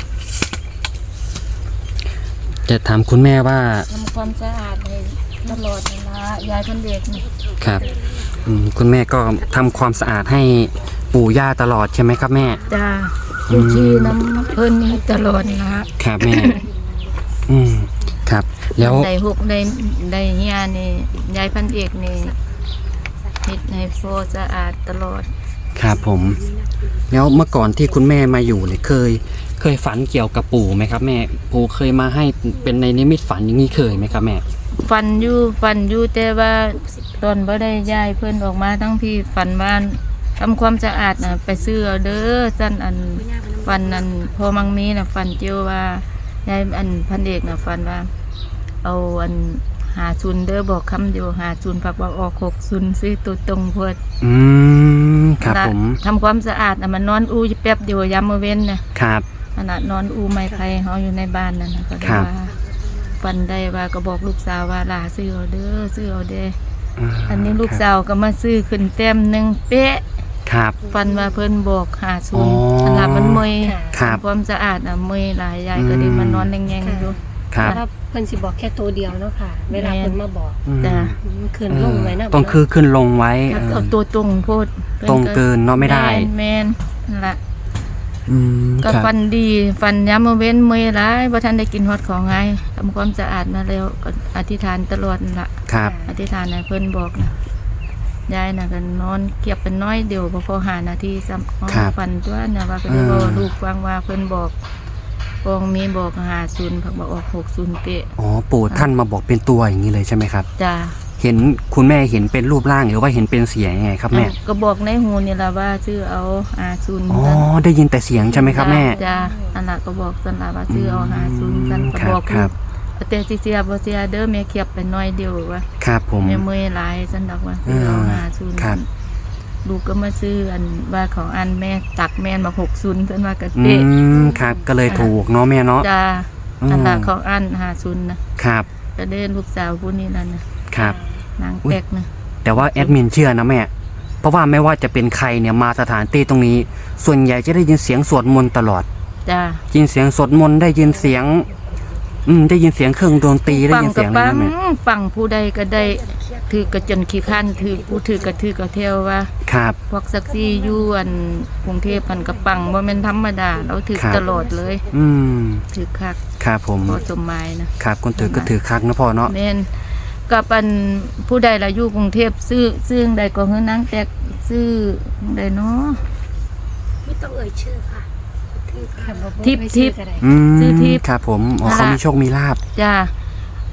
Speaker 1: จะถามคุณแม่ว่า
Speaker 4: ทำความสะอาดให้ตลอดเวลายายคนเด็กนี่
Speaker 1: ครับอืมคุณแม่ก็ทำความสะอาดให้ปู่ย่าตลอดใช่ไหมครับแม่
Speaker 4: จ้าอยู่ที่น้ำเพิ่นนี่ตลอดนะครับ
Speaker 1: แม่ อืมครับ แล้ว
Speaker 4: ได้หกได้ได้เฮียนี่ยายพันเอกนี่เฮ็ดให้โฟสะอาดตลอด
Speaker 1: ครับผม แล้วเมื่อก่อนที่คุณแม่มาอยู่เนี่ยเคย เคยฝันเกี่ยวกับปู่ไหมครับแม่ปู่เคยมาให้เป็นในนิมิตฝันอย่างนี้เคยไหมครับแม่
Speaker 4: ฟันอยู่ฟันอยู่แต่ว่าตอนบ่ได้ย้ายเพิ่นออกมาทั้งพี่ฝันบ้านทำความสะอาดน่ะไปซื้อเอาเด้อซั่นอันฟันอันพอมังมีน่ะฟันเจียวว่ายายอันพันเอกน่ะฟันว่า เอาอันหาซุนเด้อบอกคำเดียวหาซุนผักว่าออกหกซุนซื้อตัวตรงเพิ่น
Speaker 1: อืมครับผม
Speaker 4: ทำความสะอาดน่ะมันนอนอูอยู่แป๊บเดียวยามมื้อเว้นน่ะ
Speaker 1: ครับ
Speaker 4: ขนาดนอนอูไม้ไผ่เฮาอยู่ในบ้านนั่นน่ะก็ได้
Speaker 1: ครับ
Speaker 4: ว่าฟันได้ว่าก็บอกลูกสาวว่าหลาซื้อเอาเด้อซื้อเอาเด้อ
Speaker 1: า
Speaker 4: อันนี้ลูกสาวก็มาซื้อขึ้นแต้มหนึ่งเป๊ะ
Speaker 1: ครับ
Speaker 4: ฟันว่าเพิ่นบอกหาศู
Speaker 1: อ๋
Speaker 4: นย์
Speaker 1: อ
Speaker 4: อันละมันเมย
Speaker 1: ครับ
Speaker 4: ทำความสะอาดอ่ะเมยหลายยายก็ได้มานอนแงงๆอยู่
Speaker 1: ครับ
Speaker 3: แล้วเพิ่นสิบอกแค่ตัวเดียวเนาะค่ะ เวลาเพิ่นมาบอก
Speaker 1: อืม
Speaker 4: จ้ะ
Speaker 3: อืมคืนลงไว้นะ
Speaker 1: ต้องคือขึ้นลงไว้
Speaker 4: ถ้า
Speaker 1: เออ
Speaker 4: เอาตัวตรงโพดพิ่
Speaker 1: ตรงเกินเนาะไม่ได้
Speaker 4: แม่นแม่นนั่นล่ะ
Speaker 1: อืม
Speaker 4: ก็
Speaker 1: ครับ
Speaker 4: ฟันดีฟันย้ำมาเว้นเมยหลายบ่ทันได้กินฮอดของไงทำความสะอาดมาแล้วก็อธิษฐานตลอดนั่นล่ะ
Speaker 1: ครับ
Speaker 4: อธิษฐานให้เพิ่นบอกนะยายน่ะก็นอนเก็บเป็นน้อยเดียวบ่พอหานาทีซ้ำ
Speaker 1: ครับ
Speaker 4: ฝันตัวน่ะว่าก็ได้
Speaker 1: อ่า
Speaker 4: บอกลูกฟังว่าเพิ่นบอกปองมีบอกหาศูนย์ผักบอกออกหกศูนย์เป๊ะ
Speaker 1: อ๋อปู่ท่านมาบอกเป็นตัวอย่างนี้เลยใช่ไหมครับ
Speaker 4: จ้า
Speaker 1: เห็นคุณแม่เห็นเป็นรูปร่างหรือว่าเห็นเป็นเสียงยังไงครับแม่
Speaker 4: ก็บอกในหูนี่ล่ะว่าชื่อเอาหาศูนย์
Speaker 1: อ๋อ
Speaker 4: กัน
Speaker 1: ได้ยินแต่เสียงใช่ไหมครับแม่
Speaker 4: จ้าอันน่ะก็บอกสันล่ะว่าชื่อเอาหาศูนย์กันก็
Speaker 1: ครับ
Speaker 4: บอก
Speaker 1: ครับ
Speaker 4: แต่สิเสียบ่เสียเด้อแม่เก็บไปน้อยเดียวว่า
Speaker 1: ครับผม
Speaker 4: แม่เมื่อยหลายสันดอกว่าชื่อเอาหาศูนย์
Speaker 1: ครับ
Speaker 4: ลูกก็มาซื้ออันว่าของอันแม่ตักแม่นมาหกศูนย์เพิ่นว่ากะ
Speaker 1: อื
Speaker 4: เป๊ะ
Speaker 1: มครับก็เลยถูกเนาะแม่เนาะ
Speaker 4: จ้า
Speaker 1: อืม
Speaker 4: อันละของอันหาศูนย์นะครับ ก็เดินลูกสาวผู้นี้นั่นนะครับ นาง
Speaker 1: อุ๊ย
Speaker 4: แป๊กนะ
Speaker 1: แต่ว่าแอดมินเชื่อนะแม่ เพราะว่าไม่ว่าจะเป็นใครเนี่ยมาสถานที่ตรงนี้ ส่วนใหญ่จะได้ยินเสียงสวดมนต์ตลอด
Speaker 4: จ้า
Speaker 1: ยินเสียงสวดมนต์ได้ยินเสียง อืมได้ยินเสียงเครื่องดนตรีได้
Speaker 4: ปัง
Speaker 1: ยิน
Speaker 4: กั
Speaker 1: เสียงอะไร
Speaker 4: ปัง
Speaker 1: นะแม่
Speaker 4: ปังผู้ใดก็ได้ถือกระจนขี้ขันถือผู้ถือกระถือกระเทวว่า
Speaker 1: ครับ
Speaker 4: พวกซักซี่อยู่อันกรุงเทพมันกระปังบ่แม่นธรรมดาเราถือ
Speaker 1: ครับ
Speaker 4: ตลอดเลย
Speaker 1: อืม
Speaker 4: ถือคัก
Speaker 1: ครับผม
Speaker 4: พอสมหมายนะครับ
Speaker 1: คนถือก็ถือคักนะพ่อเนาะ
Speaker 4: แม่นกับอันผู้ใดล่ะอยู่กรุงเทพซื้อซื้อใดก็เฮือนางแตกซื้อใดเนาะ
Speaker 2: ไม่ต้องเอ่ยชื่อค่ะ
Speaker 3: ค่ะบ่บ่
Speaker 4: ทิป
Speaker 3: ไม่
Speaker 4: ทิป
Speaker 3: ซื้อก็ได้
Speaker 1: อืม
Speaker 4: ซื้อทิพย์
Speaker 1: ครับผมอ๋อ
Speaker 4: นั่น
Speaker 1: เขา
Speaker 4: ล่ะ
Speaker 1: มีโชคมีลาบ
Speaker 4: จ้า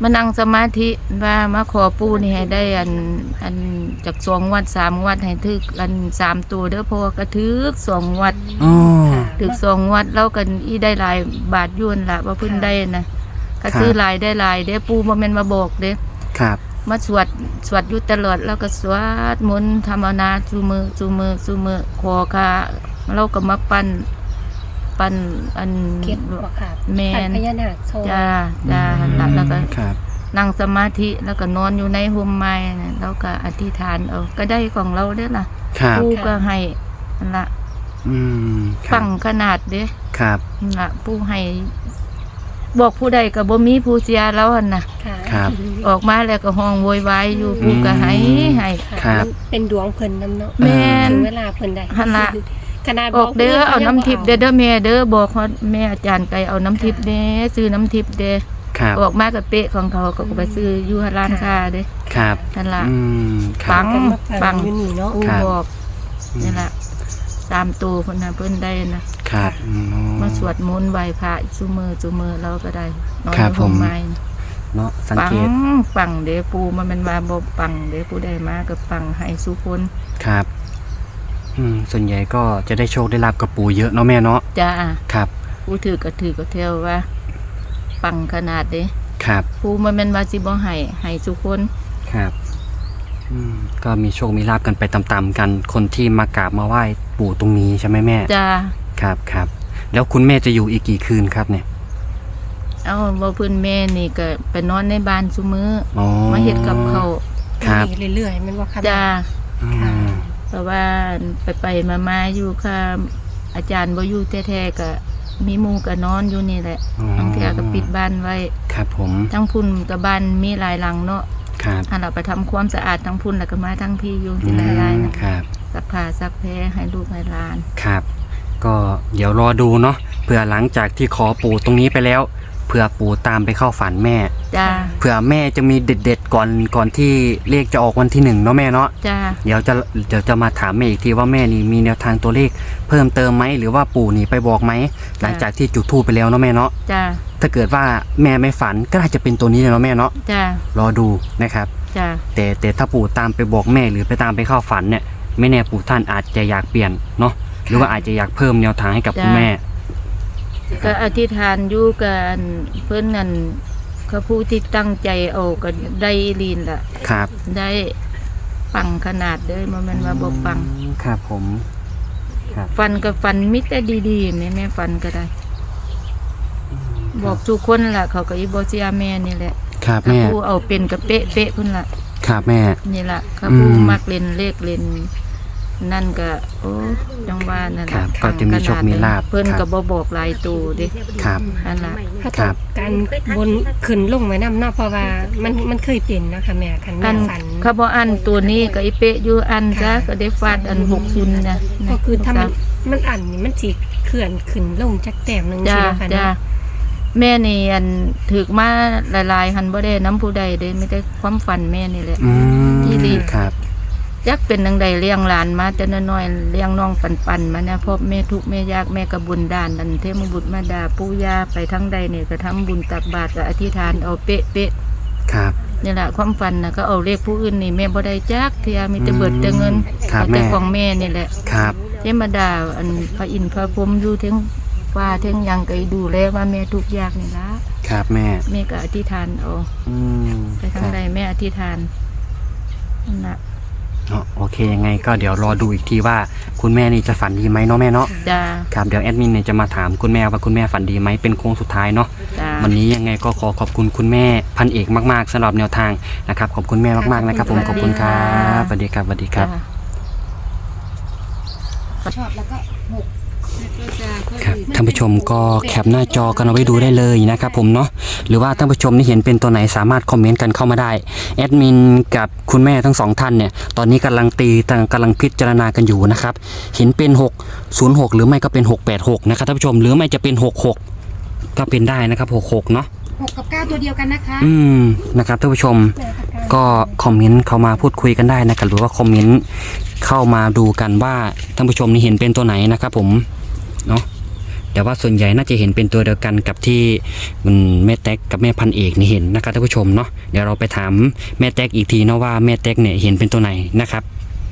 Speaker 4: มานั่งสมาธิว่ามาขอปู่นี่ให้ได้อันอันจากสองวัดสามวัดให้ถึกอันสามตัวเด้อเพราะว่ากระถึกสองวัด
Speaker 1: อ๋อ
Speaker 4: ถึกสองวัดแล้วกันอีได้หลายบาทยวนละว่าเพิ่นได้นะก็
Speaker 1: ครับ
Speaker 4: ซื้อหลายได้หลายเด้อปู่บ่แม่นมาบอกเด้อ
Speaker 1: ครับ
Speaker 4: มาสวดสวดอยู่ตลอดแล้วก็สวดมนต์ธรรมนาจูมือจูมือจูมือขอค่ะเราก็มาปั้นปั้นอัน
Speaker 3: เก็บบ่ค่ะ
Speaker 4: แม่น
Speaker 3: ปัดพญานาคโชว์
Speaker 4: จ้าจ้าแล้วแล้วก็
Speaker 1: ครับ
Speaker 4: นั่งสมาธิแล้วก็นอนอยู่ในห่มไม้น่ะแล้วก็อธิษฐานเอาก็ได้ของเราเด้อล่ะ
Speaker 1: ครับ
Speaker 4: ปู่ก็ให้นั่นละ
Speaker 1: อืมครั
Speaker 4: ปั
Speaker 1: บ
Speaker 4: งขนาดเด้
Speaker 1: ครับ
Speaker 4: นั่นละปู่ให้บอกผู้ใดก็บ่มีผู้เสียแล้วหั่นน่ะ
Speaker 3: ค่ะ
Speaker 1: ครับ
Speaker 4: ออกมาแล้วก็ห้องโวยวายอยู่ปู่ก็ให้ให้
Speaker 3: ค่ะ
Speaker 1: ครับ
Speaker 3: เป็นดวงเพิ่นนำเนาะ
Speaker 4: แม่น
Speaker 3: ถึงเวลาเพิ่นได้
Speaker 4: หั่นล่ะ
Speaker 3: ขนาด
Speaker 4: ออกเด้อเอาน้ำทิพย์เด้อ
Speaker 3: เ
Speaker 4: เด้อแม่เด้อบอกเขาแม่อาจารย์ไกเอาน้ำทิพย์เด้ซื้อน้ำทิพย์เด้
Speaker 1: ครับ
Speaker 4: ออกมากับเป๊ะของเขาก็ไปซื้ออยู่ร้านค้าเด้
Speaker 1: ครับ
Speaker 4: นั่นล่ะ
Speaker 1: อืมค
Speaker 4: ปั
Speaker 1: รับ
Speaker 4: ง
Speaker 3: พิ่นมา
Speaker 4: ปั
Speaker 3: ปั
Speaker 4: ง
Speaker 3: งอยู่นี่เนาะ
Speaker 4: ปู่
Speaker 1: ครับ
Speaker 4: บอกนี่ล่ะสามตัวเพิ่นน่ะเพิ่นได้นะครับ
Speaker 1: อืม
Speaker 4: มาสวดมนต์ไหว้พระซุมือซุมือเราก็ได้นอน
Speaker 1: ครับ
Speaker 4: อยู่
Speaker 1: ผม
Speaker 4: ห่มไม้
Speaker 1: เนาะสัง
Speaker 4: ปัง
Speaker 1: เกต
Speaker 4: ปังเด้ปู่มันเป็นว่าบ่ปังเด้ผู้ใดมาก็ปังให้สุคน
Speaker 1: ครับอืมส่วนใหญ่ก็จะได้โชคได้ลาบกับปู่เยอะเนาะแม่เนาะ
Speaker 4: จ้า
Speaker 1: ครับ
Speaker 4: ผู้ถือก็ถือก็เที่ยวว่า ปังขนาดเด้
Speaker 1: ครับ
Speaker 4: ปู่มันเป็นว่าสิบ่ให้ให้สุคน
Speaker 1: ครับอืมก็มีโชคมีลาบกันไปตามๆกัน คนที่มากราบมาไหว้ปู่ตรงนี้ใช่ไหมแม่
Speaker 4: จ้า
Speaker 1: ครับครับแล้วคุณแม่จะอยู่อีกกี่คืนครับเนี่ย
Speaker 4: เอาบ่เพิ่นแม่นี่ก็ไปนอนในบ้านซุมื้อ
Speaker 1: อ๋อ
Speaker 4: มาเฮ็ดกับเขาว
Speaker 1: ครับ
Speaker 3: มีเรื่อยๆแมันว่าค่ะ
Speaker 4: จ้า
Speaker 1: อืม
Speaker 4: เพราะว่าไปไปมามาอยู่ค่ะอาจารย์บ่อยู่แท้ๆก็มีหมู่ก็นอนอยู่นี่แหละ
Speaker 1: อ๋อบ
Speaker 4: างเทื่อก็ปิดบ้านไว้
Speaker 1: ครับผม
Speaker 4: ทั้งพุ่นกับบ้านมีหลายหลังเนาะ
Speaker 1: ครับ
Speaker 4: อันเราไปทำความสะอาดทั้งพุ่นแล้วก็มาทั้งพี่อยู่
Speaker 1: อื
Speaker 4: ที่หลายๆ
Speaker 1: ม
Speaker 4: นะครับ ซักผ้าซักแพรให้ลูกให้หลาน
Speaker 1: ครับ ก็เดี๋ยวรอดูเนาะเผื่อหลังจากที่ขอปู่ตรงนี้ไปแล้วเผื่อปู่ตามไปเข้าฝันแม่
Speaker 4: จ้า
Speaker 1: เผื่อแม่จะมีเด็ดๆก่อนก่อนที่เลขจะออกวันที่หนึ่งเนาะแม่เนาะ
Speaker 4: จ้า
Speaker 1: เดี๋ยวจะเดี๋ยวจะมาถามแม่อีกทีว่าแม่นี่มีแนวทางตัวเลขเพิ่มเติมไหมหรือว่าปู่นี่ไปบอกไหมหลังจากที่จุดธูปไปแล้วเนาะแม่เนาะ
Speaker 4: จ้า
Speaker 1: ถ้าเกิดว่าแม่ไม่ฝันก็น่าจะเป็นตัวนี้เลยเนาะแม่เนาะ
Speaker 4: จ้าร
Speaker 1: อดูนะครับ
Speaker 4: จ้า
Speaker 1: แต่แต่ถ้าปู่ตามไปบอกแม่หรือไปตามไปเข้าฝันเนี่ยไม่แน่ปู่ท่านอาจจะอยากเปลี่ยนเนาะหรือว่าอาจจะอยากเพิ่มแนวทางให้กับคุณแม่
Speaker 4: ก็อธิษฐานอยู่กันเพิ่นนั่นเขาผู้ที่ตั้งใจเอาก็ได้ลีนล่ะ
Speaker 1: ครับ
Speaker 4: ได้ปังขนาดเด้อมันแม่นว่าบ่ปัง
Speaker 1: ครับผมครับ
Speaker 4: ฟันก็ฟันมิแต่ดีๆแม่แม่ฟันก็ได้ บอกทุกคนล่ะ เขาก็อีบ่เสียแม่นี่แหละ
Speaker 1: ครับ
Speaker 4: เขา
Speaker 1: แม่
Speaker 4: ผู้เอาเป็นก็เป๊ะเป๊ะๆพุ่นล่ะ
Speaker 1: ครับแม่
Speaker 4: นี่ล่ะเขาผู้
Speaker 1: อืม
Speaker 4: มักเล่นเลขเล่นนั่นก็โอ้จังว่านั่น
Speaker 1: ครั
Speaker 4: ล่ะ
Speaker 1: บก็จะมีโชคมีลาภ
Speaker 4: เพิ่น
Speaker 1: ครั
Speaker 4: ก็
Speaker 1: บ
Speaker 4: บ่บอกหลายตัวเด้
Speaker 1: ครับ
Speaker 4: นั่นล่ะ
Speaker 3: ถ้า
Speaker 1: ครั
Speaker 3: ต้อง
Speaker 1: บ
Speaker 3: การบนขึ้นลงไว้นำเนาะเพราะว่ามันมันเคยเป็นนะคะแม่คัน
Speaker 4: อั
Speaker 3: แม่
Speaker 4: น
Speaker 3: ฝัน
Speaker 4: เขาบ่อันตัวนี้ก็อีเป๊ะอยู่อันจ้ะก็ได้ฟาดอันหกศูนย์นะ
Speaker 3: ก็คือถ้ามันมันอันนี่มันสิเคลื่อนขึ้นลงจักแต้มหนึง
Speaker 4: จ้า
Speaker 3: ใช่ไหมคะ
Speaker 4: จ้า
Speaker 3: เนาะ
Speaker 4: แม่นี่อันถึกมาหลายๆหันบ่ได้น้ำผู้ใดเด้ไม่ได้ความฝันแม่นี่แหละ
Speaker 1: อืม
Speaker 4: ที่ดี
Speaker 1: ครับ
Speaker 4: จักเป็นจังใดเลี้ยงหลานมาแต่น้อยๆเลี้ยงน้องปันๆมาเนี่ยพ่อแม่ทุกข์แม่ยากแม่ก็บุญด้านอันเทพบุตรมาดาปู่ย่าไปทั้งใดเนี่ยก็ทำบุญตักบาตรก็อธิษฐานเอาเป๊ะๆ
Speaker 1: ครับ
Speaker 4: นี่แหละความฝันนะก็เอาเลขผู้อื่นนี่แม่บ่ได้จักเทียมีแต่เบิดแต่เงิน
Speaker 1: ครับ
Speaker 4: เอาแต่
Speaker 1: แม่
Speaker 4: ของแม่นี่แหละ
Speaker 1: ครับ
Speaker 4: เทมาดาอันพระอินทร์พระพรหมอยู่เทั้งฟ้าเทั้งหยังก็ดูแลว่าแม่ทุกข์ยากนี่ละ
Speaker 1: ครับแม่
Speaker 4: แม่ก็อธิษฐานเอา
Speaker 1: อืม
Speaker 4: ไปทางใดแม่อธิษฐานนั่นน่ะ
Speaker 1: เนาะโอเคยังไงก็เดี๋ยวรอดูอีกทีว่าคุณแม่นี่จะฝันดีไหมเนาะแม่เนาะ
Speaker 4: จ้า
Speaker 1: ครับเดี๋ยวแอดมินเนี่ยจะมาถามคุณแม่ว่าคุณแม่ฝันดีไหมเป็นโค้งสุดท้ายเนาะ
Speaker 4: จ้า
Speaker 1: วันนี้ยังไงก็ขอขอบคุณคุณแม่พันเอกมากๆสำหรับแนวทางนะครับขอบคุณแม่มากๆนะครับผมขอบคุณครับสวัสดีครับสวัสดีครับ
Speaker 2: ชอบแล้วก็หก
Speaker 1: ครับท่านผู้ชมก็แคปหน้าจอกันเอาไว้ดูได้เลยนะครับผมเนาะหรือว่าท่านผู้ชมที่เห็นเป็นตัวไหนสามารถคอมเมนต์กันเข้ามาได้แอดมินกับคุณแม่ทั้งสองท่านเนี่ยตอนนี้กำลังตีกำลังพิจารณากันอยู่นะครับเห็นเป็นหกศูนย์หกหรือไม่ก็เป็นหกแปดหกนะครับท่านผู้ชมหรือไม่จะเป็นหกหกก็เป็นได้นะครับหกหกเนาะ
Speaker 2: หกกับเก้าตัวเดียวกันนะคะ
Speaker 1: อืมนะครับท่านผู้ชมก็คอมเมนต์เข้ามาพูดคุยกันได้นะครับหรือว่าคอมเมนต์เข้ามาดูกันว่าท่านผู้ชมนี่เห็นเป็นตัวไหนนะครับผมเนาะแต่ว่าส่วนใหญ่น่าจะเห็นเป็นตัวเดียวกันกับที่คุณแม่แต๊กกับแม่พันเอกนี่เห็นนะครับท่านผู้ชมเนาะเดี๋ยวเราไปถามแม่แต๊กอีกทีเนาะว่าแม่แต๊กเนี่ยเห็นเป็นตัวไหนนะครับ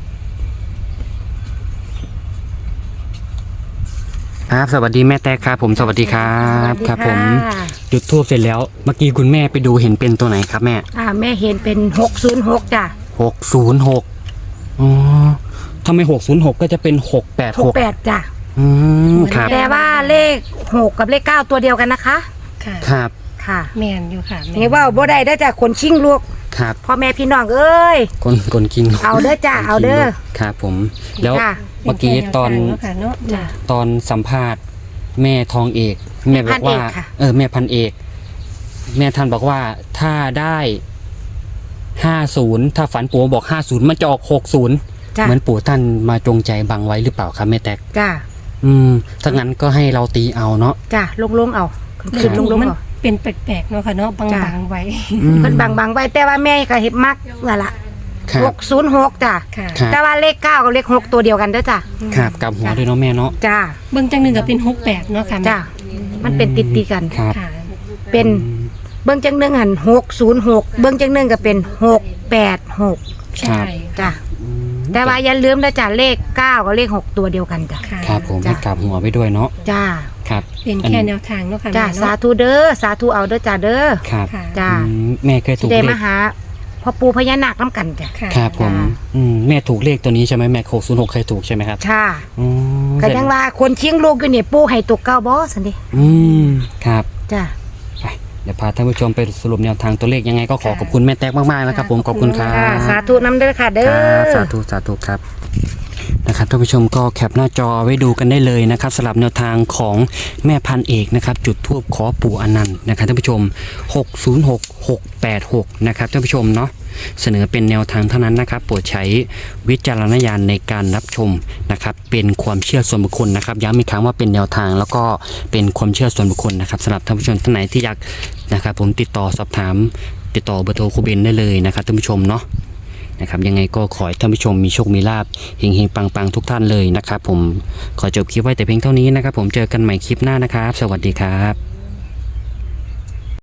Speaker 1: ครับสวัสดีแม่แต๊กครับผมสวัสดีครับครับผมจุดทูบเสร็จแล้วเมื่อกี้คุณแม่ไปดูเห็นเป็นตัวไหนครับแม่
Speaker 2: อ่าแม่เห็นเป็นหกศูนย์หกจ้ะ
Speaker 1: หกศูนย์หกอ๋อทำไมหกศูนย์หกก็จะเป็นหกแปด
Speaker 2: ห
Speaker 1: ห
Speaker 2: ก
Speaker 1: ก
Speaker 2: แปดจ้ะ
Speaker 1: อืมครับ
Speaker 2: แต่ว่าเลขหกกับเลขเก้าตัวเดียวกันนะคะ
Speaker 3: ค่ะ
Speaker 1: ครับ
Speaker 2: ค่ะ
Speaker 3: แมนอยู่ค่ะแม่
Speaker 2: นี่ว่าบ่ได้ได้อจ้ะคนชิงลูก
Speaker 1: ครับ
Speaker 2: พ่อแม่พี่น้องเอ้ย
Speaker 1: คนคนกิน
Speaker 2: เอาเด้อจ้ะเอาเด้อ
Speaker 1: ครับผมแล้ว
Speaker 2: ค่ะ
Speaker 1: เมื่อกี้ตอน
Speaker 3: เป็แค่แวทางเนาะค่ะเนาะจ้ะ
Speaker 1: ตอนสัมภาษณ์แม่ทองเอก แม่บอกว่า
Speaker 2: แม่พันเอกค่ะ
Speaker 1: เออแม่พันเอก แม่ท่านบอกว่าถ้าได้ห้าศูนย์ถ้าฝันปู่บอกห้าศูนย์มันจะออกหกศูนย์
Speaker 2: จ้ะ
Speaker 1: เหมือนปู่ท่านมาจงใจบังไว้หรือเปล่าครับแม่แตก
Speaker 2: จ้ะ
Speaker 1: อืมถ้างั้นก็ให้เราตีเอาเนาะ
Speaker 2: จ้ะลงลงๆเอาขึ้นลงลง
Speaker 3: มัน
Speaker 2: เอา
Speaker 3: เป็นแปลกๆเนาะค่ะเนาะบ
Speaker 2: จ้ะ
Speaker 3: างๆไว้
Speaker 1: อืม
Speaker 2: เพิ่นบังบังๆไว้แต่ว่าแม่ก็เห็นมักนั่นล่ะ
Speaker 1: ครั
Speaker 2: ห
Speaker 1: บ
Speaker 2: กศูนย์หกจ้ะ
Speaker 3: ค่ะ
Speaker 1: ครับ
Speaker 2: แต่ว่าเลขเก้ากับเลขหกตัวเดียวกันเด้อจ้ะ
Speaker 1: ครับกลับหัวด้วยเนาะแม่เนาะ
Speaker 2: จ้ะ
Speaker 3: เบื้องจังหนึ่งก็เป็นหกแปดเนาะค่ะแม่
Speaker 2: จ้ะมันเป็นติดตีกัน
Speaker 1: ครับ
Speaker 3: ค่ะ
Speaker 2: เป็นเบื้องจังหนึ่งหันหกศูนย์หกเบื้องจังหนึ่งก็เป็นหกแปดหก
Speaker 3: ใช่
Speaker 2: จ้ะ
Speaker 1: อืม
Speaker 2: แต่ว่าอย่าลืมนะจ้ะเลขเก้ากับเลขหกตัวเดียวกันจ้ะ
Speaker 3: ค่ะ
Speaker 1: ครับผม
Speaker 2: จ้ะ
Speaker 1: ให้กลับหัวไปด้วยเนาะ
Speaker 2: จ้า
Speaker 1: ครับ
Speaker 3: เป็นแค่แนวทางเนาะค่ะ
Speaker 2: จ้า
Speaker 3: แม่
Speaker 2: สา
Speaker 3: เนาะ
Speaker 2: ธุเด้อสาธุเอาเด้อจ้าเด้อ
Speaker 1: ครับ
Speaker 3: ค่ะ
Speaker 2: จ้า
Speaker 1: อืมแม่เคยถู
Speaker 2: ที่
Speaker 1: ก
Speaker 2: ได้
Speaker 1: เล
Speaker 2: มา
Speaker 1: ข
Speaker 2: หาพ่อปู่พญานาคน้ำกันจ้ะ
Speaker 3: ค่ะ
Speaker 1: ครับผม
Speaker 2: จ้า
Speaker 1: อืมแม่ถูกเลขตัวนี้ใช่ไหมแม่หกศูนย์หกเคยถูกใช่ไหมครับ
Speaker 2: ช่า
Speaker 1: อืม
Speaker 2: ก็ยังว่าคนเชียงลูกอยู่นี่ปู่ให้ตกเก้าบ่สันดิ
Speaker 1: อืมครับ
Speaker 2: จ้า
Speaker 1: ไปเดี๋ยวพาท่านผู้ชมไปสรุปแนวทางตัวเลขยังไงก็ขอขอบคุณแม่แตกมากๆนะครับผมขอบคุณครับ
Speaker 2: จ้าสาธุน้ำเด้อค่ะเด้
Speaker 1: ค
Speaker 2: อ
Speaker 1: รับสาธุสาธุครับนะครับท่านผู้ชมก็แคปหน้าจอไว้ดูกันได้เลยนะครับสำหรับแนวทางของแม่พันเอกนะครับจุดธูปขอปู่อนันต์นะครับท่านผู้ชมหกศูนย์หก หกแปดหกนะครับท่านผู้ชมเนาะเสนอเป็นแนวทางเท่านั้นนะครับโปรดใช้วิจารณญาณในการรับชมนะครับเป็นความเชื่อส่วนบุคคลนะครับย้ำอีกครั้งว่าเป็นแนวทางแล้วก็เป็นความเชื่อส่วนบุคคลนะครับสำหรับท่านผู้ชมท่านไหนที่อยากนะครับผมติดต่อสอบถามติดต่อเบอร์โทรครูเบนได้เลยนะครับท่านผู้ชมเนาะนะครับยังไงก็ขอให้ท่านผู้ชมมีโชคมีลาภเฮงๆปังๆทุกท่านเลยนะครับผมขอจบคลิปไว้แต่เพียงเท่านี้นะครับผมเจอกันใหม่คลิปหน้านะครับสวัสดีครับ